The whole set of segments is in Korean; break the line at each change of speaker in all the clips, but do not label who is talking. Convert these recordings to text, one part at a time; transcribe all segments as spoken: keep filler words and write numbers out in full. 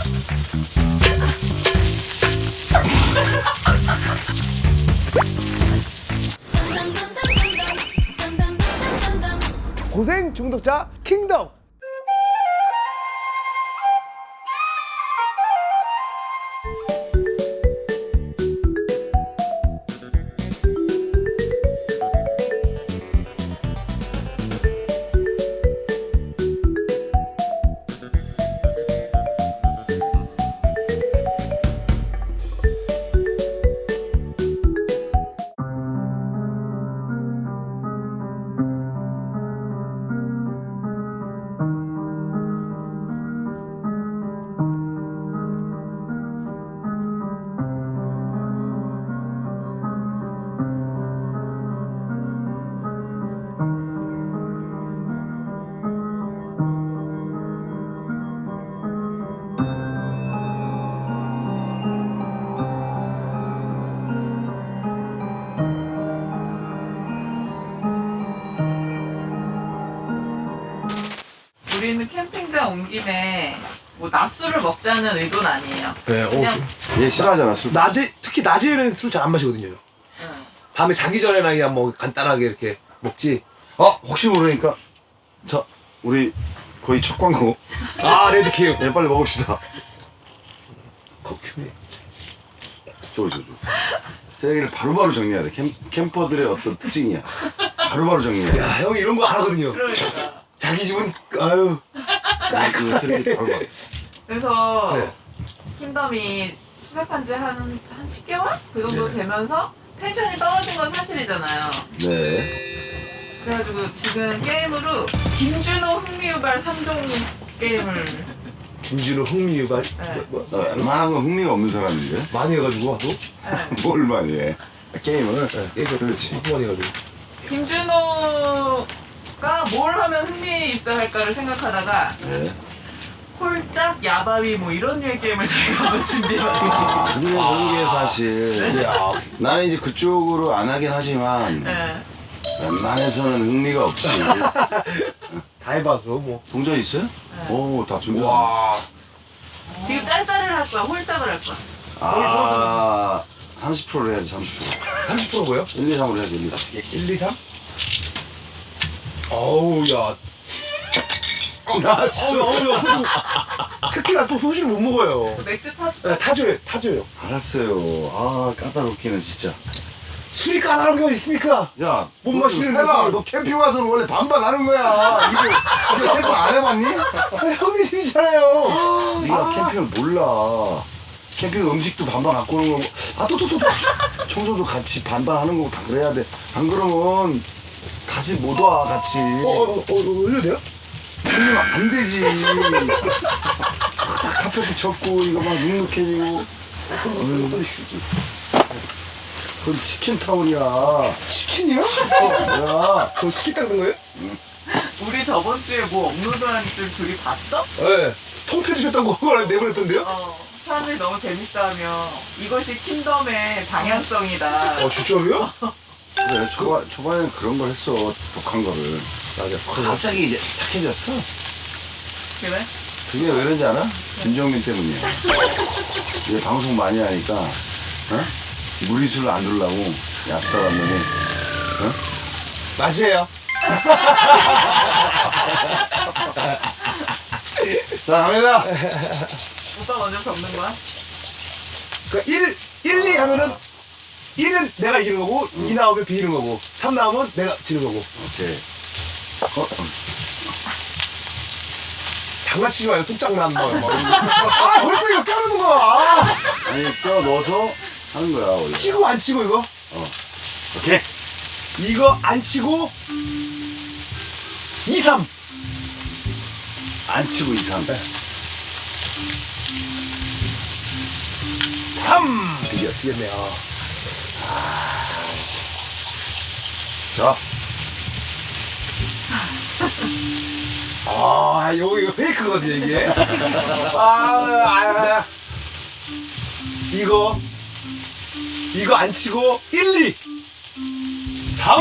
고생 중독자 킹덤.
우리는 캠핑장 온 김에 뭐 낮술을 먹자는 의도는 아니에요.
네,
그냥
얘 싫어하잖아 술.
낮에 특히 낮에는 술 잘 안 마시거든요.
응.
밤에 자기 전에나 그냥 뭐 간단하게 이렇게 먹지.
어 혹시 모르니까 자 우리 거의 첫 광고.
아 레드키우.
얘 빨리 먹읍시다.
커큐네.
저거 저거. 쓰레기를 바로바로 정리해야 돼. 캠, 캠퍼들의 어떤 특징이야. 바로바로 정리해.
야 형이 이런 거 안 하거든요.
그러니까.
자기 집은 아유.
그 쓰레기 바로바로.
그래서
네.
킹덤이 시작한 지 한 한 십 개월? 그 정도
네.
되면서 텐션이 떨어진 건 사실이잖아요.
네.
그래가지고 지금 게임으로 김준호 흥미유발 삼 종 게임을
김준호 흥미유발.
네.
뭐,
나
뭐,
웬만한 건 흥미가 없는 사람인데.
많이 해가지고 하도.
네.
뭘 많이 해. 게임을.
네,
그렇지.
많이 해가지고.
김준호가 뭘 하면 흥미 있어 할까를 생각하다가
네.
홀짝, 야바위 뭐 이런 류의 게임을 저희가 한번 준비해봤어요.
아, 근데 그런 게 사실
야,
나는 이제 그쪽으로 안 하긴 하지만
네.
웬만해서는 흥미가 없지.
다 해봐서 뭐.
동전 있어요?
네.
오, 다 준비.
와.
지금 짤짤을 할 거야, 홀짝을 할 거야.
아, 삼십 퍼센트로 해야지, 삼십 퍼센트.
삼십 퍼센트고요?
일, 이, 삼으로 해야지, 일, 이, 삼.
일, 이, 삼? 어우 야.
나
어우 어우 야 소주. 특히 나 또 소주를 못 먹어요.
맥주 타
네, 타줘요 타줘요.
알았어요. 아, 까다롭기는 진짜.
술이 까다로운 게 있습니까?
야,
못
너
마시는데
해봐.
또.
너 캠핑 와서는 원래 반반 하는 거야. 이게, 이게 캠핑 안 해봤니?
아, 형님 집이잖아요.
네가 캠핑을 몰라. 캠핑 음식도 반반 갖고 오는 거고, 아, 또, 또, 또, 또. 청소도 같이 반반 하는 거고 다 그래야 돼. 안 그러면 같이 못 와, 같이.
어, 어, 어, 어, 올려도 돼요?
그러면 안 되지. 딱 카페트 쳤고, 이거 막 눅눅해지고. 그건 치킨타운이야.
치킨이요?
뭐야.
저 치킨 닦는 거예요?
우리 저번 주에 뭐 업로드한 줄 둘이 봤어?
네. 통편집했다고 그걸 내보냈던데요?
어. 사람들이 너무 재밌다며 이것이 킹덤의 방향성이다.
어, 진짜로요?
그래, 초반, 초반에는 그런 걸 했어. 독한 거를.
맞아.
갑자기 이제 착해졌어.
그래?
그게 왜 그런지 알아? 김정민 때문이야. 얘 방송 많이 하니까, 어? 무리수를 안 두려고 얍삽한 놈이, 어?
맛이에요.
자, 갑니다.
오빠 먼저 적는 거야?
그러니까 일, 일, 이 하면은 일은 내가 이기는 거고 이 나오면 비기는 거고 삼 나오면 내가 지는 거고.
오케이. 어?
장난치지 마요. 뚝장난 뭐. 아 벌써 이거 까는 거야. 아,
아니, 껴 넣어서 하는 거야, 원래.
치고 안 치고 이거?
오케이.
이거 안 치고 이, 삼.
안 치고 이, 삼.
삼.
이겼어.
이겼네요.
자,
아, 이거 이거 페이크거든요 이게. 아, 아, 아. 이거 이거 안 치고 일, 이,
삼.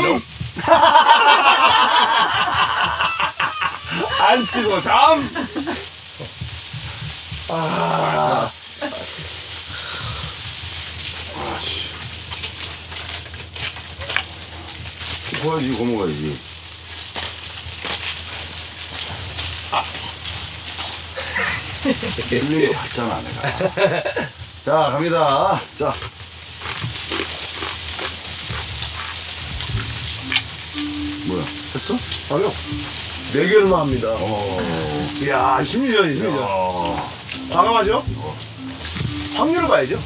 안 치고 삼. 아,
보여야지, 이거 먹어야지. 밀린 거 봤잖아, 내가. 자, 갑니다. 자. 뭐야, 했어?
아니요. 네 개를만 합니다.
어.
이야, 심리전이 심리전.
야.
과감하죠? 확률을 봐야죠.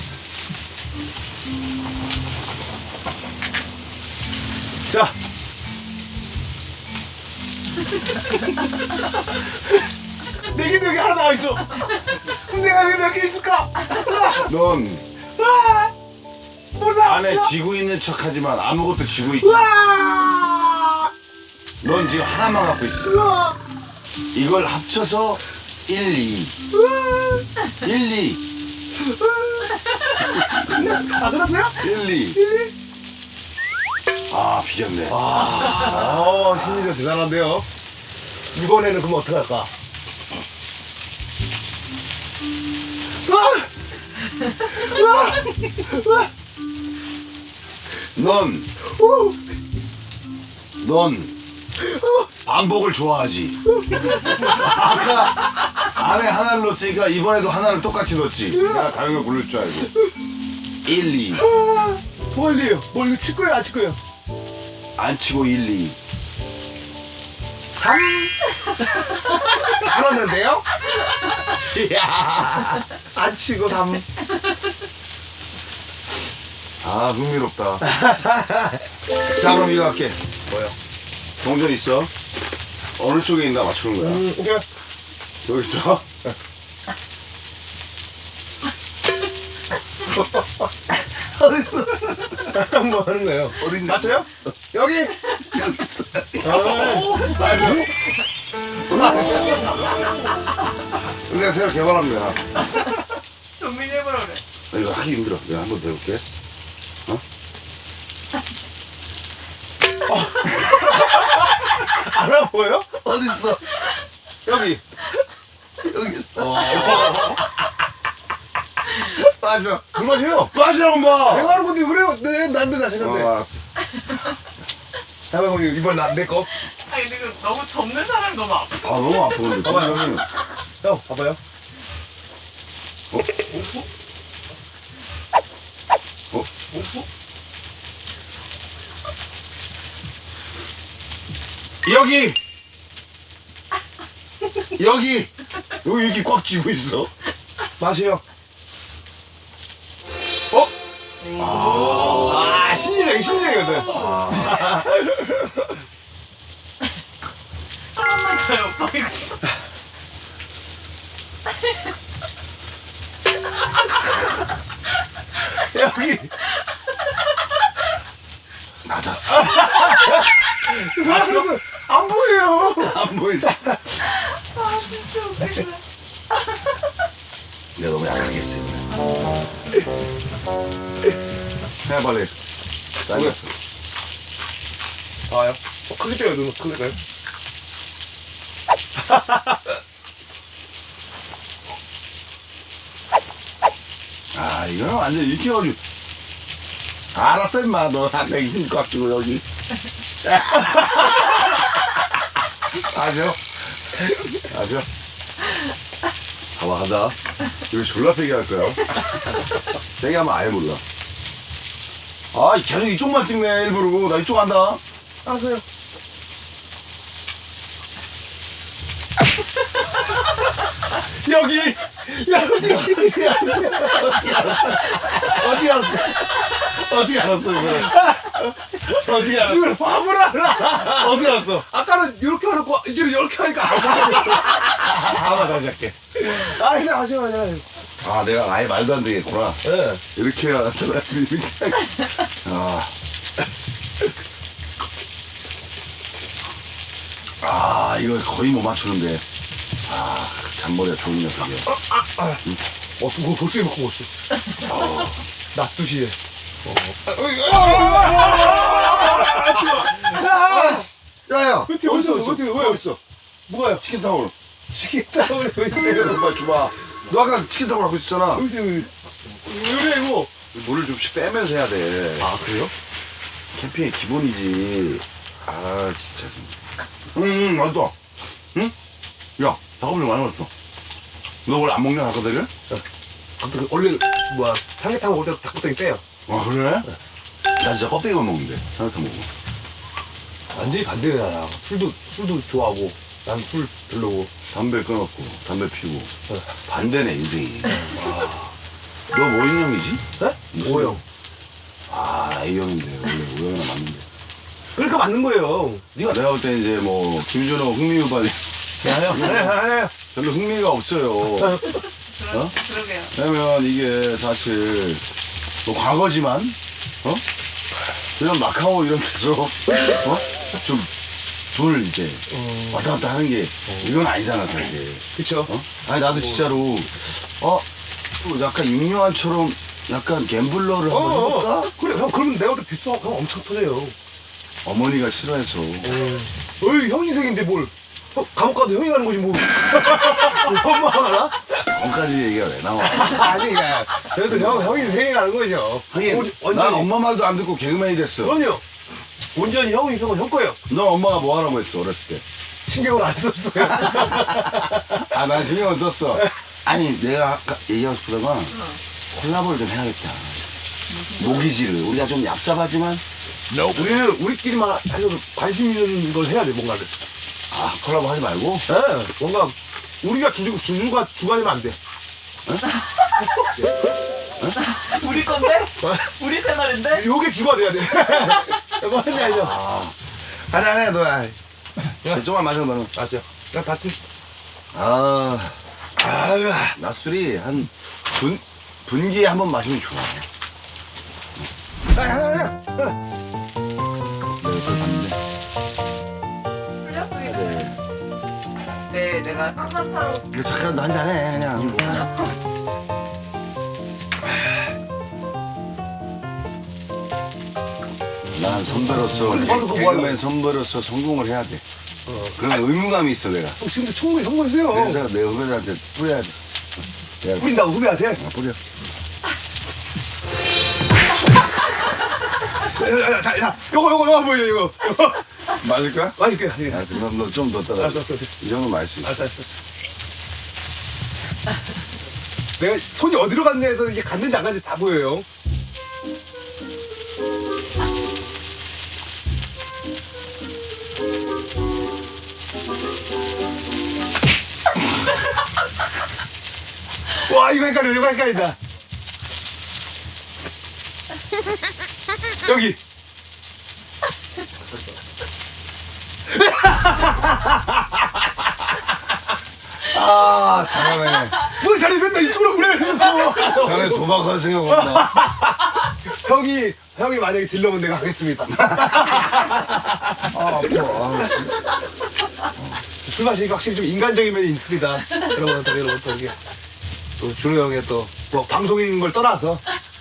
자. 네 개, 네 개 하나 나와있어. 그럼 내가 왜 몇 개 있을까?
넌
와! 보자!
안에 쥐고 있는 척 하지만 아무것도 쥐고 있지.
와!
넌 지금 하나만 갖고 있어.
우와!
이걸 합쳐서 일, 이. 일, 이.
아, 끝났어요?
일, 이. 아, 비겼네.
아, 심리전 대단한데요. 이번에는 그럼 어떡할까? 와! 와! 와!
넌,
오!
넌 반복을 좋아하지. 아까 안에 하나를 넣었으니까 이번에도 하나를 똑같이 넣었지. 내가 다른 걸 고를 줄 알고. 일, 이.
아, 뭘요? 뭐 이거 칠 거예요, 안 칠 거예요?
안 치고 일, 이.
삼. 안 왔는데요? 이야, 안 치고 삼.
아, 흥미롭다. 자, 그럼 이거 할게.
뭐요?
동전 있어. 어느 쪽에 있나 맞추는 거야.
음, 오케이.
여기 있어. 어딨어?
뭐 하는 거예요?
어딨냐?
맞춰요? 여기.
여기 있어.
아,
맞아. 내가 새로 개발한 거야.
정민이 해보라 그래.
나 이거 하기 힘들어. 내가 한 번 더 해볼게.
알아 보여요?
어딨어?
여기.
여기 있어. 맞아.
그 맛이에요.
맞아, 엄마.
내가 하는 건데 그래요? 네, 난데 나
어,
생각돼.
알았어.
잠깐만, 이번 나내 거.
아니 근데 그 너무 접는 사람이 너무 아파.
아, 너무 아프는데.
봐봐요.
동전이.
형, 봐봐요.
어? 여기! 여기! 여기 이렇게 꽉 쥐고 있어.
맛이요. 어? 아, 심리적이 심리적이거든.
한 번만 더요 오빠 이거.
여기.
맞았어.
봤어? 안 보여요.
안 보이지?
아 진짜 웃기네.
내가 너무 약하게 했어, 이번에. 해, 빨리. 잘렸어.
아요? 어, 크게 떼요, 눈 크게 떼요.
아, 이거는 완전 이렇게 어려. 알았어, 임마. 너한테 힘꽉 주고, 여기. 아죠? 아죠? 봐봐, 가자. 이거 졸라 세게 할 거야. 세게 하면 아예 몰라. 아, 계속 이쪽만 찍네, 일부러. 나 이쪽 간다.
알았어요. 여기. 여기.
어떻게 알았어? 어떻게 알았어? 어떻게 알았어? 어떻게 알았어, 이거? 어떻게 알았어?
이걸 밥을 알아.
어떻게 알았어?
아까는 이렇게 하놓고 이제 이렇게 하니까
아마 다시 할게.
아 그냥 하세요 그냥.
아, 내가 아예 말도 안 되겠구나.
예.
이렇게 해야 나타나. 이렇게. 아. 아, 이거 거의 못 맞추는데. 아, 잔머리가 좋은 녀석이야.
어, 그거 벌써 먹고 먹었어. 낮 두 시에. 야,
야야,
어디, 어디, 어디, 왜?
어디 있어?
뭐가요?
치킨 타올.
치킨 타올이 왜
이거
있어요?
빨리 줘봐. 너 아까 치킨 타올 갖고 있었잖아.
어디, 어디. 왜 이거?
물을 좀씩 빼면서 해야 돼.
아, 그래요?
캠핑의 기본이지. 아 진짜. 응, 응 맛있어. 응? 야 닭고기 많이 맛있어. 너 원래 안 먹냐 닭고기를?
아무튼 원래 뭐야 삼계탕 먹을 때 닭고기 빼요.
아 그래? 나 진짜 껍데기만 먹는데 삼계탕 먹으면.
완전히 반대야. 술도 술도 좋아하고 난 술 별로고.
담배 끊었고 담배 피우고
어.
반대네 인생이. 너 뭐 인형이지?
네?
무슨-
오형.
아 A형인데 원래 O형이나 맞는데.
그러니까 맞는 거예요.
네가 내가 볼 때 이제 뭐 김준호 흥미유발이
아니요. 아니요. 아니요.
별로 흥미가 없어요.
그러,
어?
그러게요.
왜냐면 이게 사실 뭐 과거지만 어? 그냥 마카오 이런 데서 어? 좀 돈을 이제 왔다 갔다 하는 게 이건 아니잖아 사실.
그쵸.
어? 아니 나도 진짜로 어? 뭐 약간 임요한처럼 약간 갬블러를 한번 해볼까?
어, 그래 형 그러면 내가 또 뷰스 형 엄청 터져요.
어머니가 싫어해서
어이 형 인생인데 뭘? 형, 감옥 가도 형이 가는 거지 뭐. 엄마가 가나?
전까지 얘기가 왜 나와?
아니 그러니까 그래도 형 형이 인생이 가는 거죠.
하긴
온-
난
완전히.
엄마 말도 안 듣고 개그맨이 됐어.
그럼요. 온전히 형 인생은 형 거예요.
너 엄마가 뭐 하라고 했어 어렸을 때?
신경을 안 썼어요.
아, 난 신경 안 썼어. 아니, 내가 아까 얘기하고 싶다가 콜라보를 좀 해야겠다. 모기지를. 우리가 좀 얍삽하지만,
우리는 우리끼리만 해서 관심 있는 걸 해야 돼 뭔가를.
아, 콜라보 하지 말고.
예, 뭔가 우리가 기준 기준과 주관이면 안 돼.
우리 건데? 우리 채널인데?
요게 기가 돼야 돼. 이거 하냐 이제.
하자, 해, 너야. 조금만 마셔, 너는.
아세요? 나 같이.
아,
아유.
낮술이 한 분, 분기에 한 번 마시면 좋아.
아, 하나 하나.
풀렸어요. 네, 내가 상사타로
이거 잠깐 너 한잔 해, 그냥. 난 선배로서,
근데 그거 뭐
개그맨 선배로서 성공을 해야 돼. 그런 의무감이 있어, 내가.
형 지금도 충분히 성공했어요.
그래서 내 후배들한테 뿌려야 돼. 내가
뿌린다고 후배한테.
아, 뿌려.
야, 야, 자, 자, 요거 요거 요거 보여 이거. 요거.
맞을까?
맛있게. 예.
알았어, 그럼 너 좀 더 따라.
알았어, 알았어, 알았어.
이 정도 마실 수 있어.
알았어, 알았어. 내가 손이 어디로 갔냐에서 이게 갔는지 안 갔는지 다 보여요. 와 이거 헷갈려 이거 헷갈린다. 여기.
아, 잘하네.
뭘 잘해 맨날 이쪽으로 그래.
자네 도박할 생각 없나?
형이 형이 만약에 딜러면 내가 하겠습니다.
아, 아파. 아,
술 마시니까 확실히 좀 인간적인 면이 있습니다. 여러분 또 여러분 또 이게 또 준호 형의 또 뭐 방송인 걸 떠나서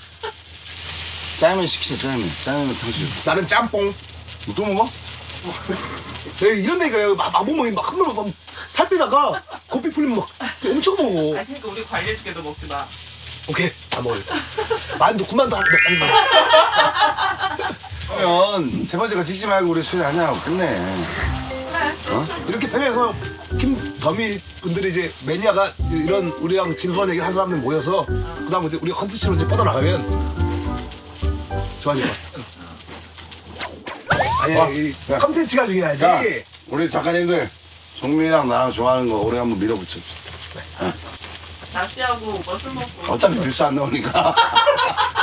짜장면 시키자, 짜장면. 짜장면 탕수육.
나는 짬뽕.
또 먹어?
내가 이런 데니까 막, 막 먹으면 막 한번 막 살 빼다가 고삐 풀리면 막 엄청 먹어.
아, 그러니까 우리 관리해줄게도 먹지 마.
오케이 다 먹을. 만두 군만두 한 개.
그러면 세 번째 거 찍지 말고 우리 술 한잔 하고 끝내.
이렇게 편해서 김더미 분들이 이제 매니아가 이런 우리랑 진솔한 얘기 한 사람들 모여서 그다음에 이제 우리가 컨텐츠로 이제 뻗어나가면 좋아질 것 같아. 아니
어,
이
야.
컨텐츠가 중요하지.
자, 우리 작가님들 종민이랑 나랑 좋아하는 거 우리 한번 밀어붙여.
낚시하고 오빠 술 먹고.
어차피 뉴스 안 나오니까.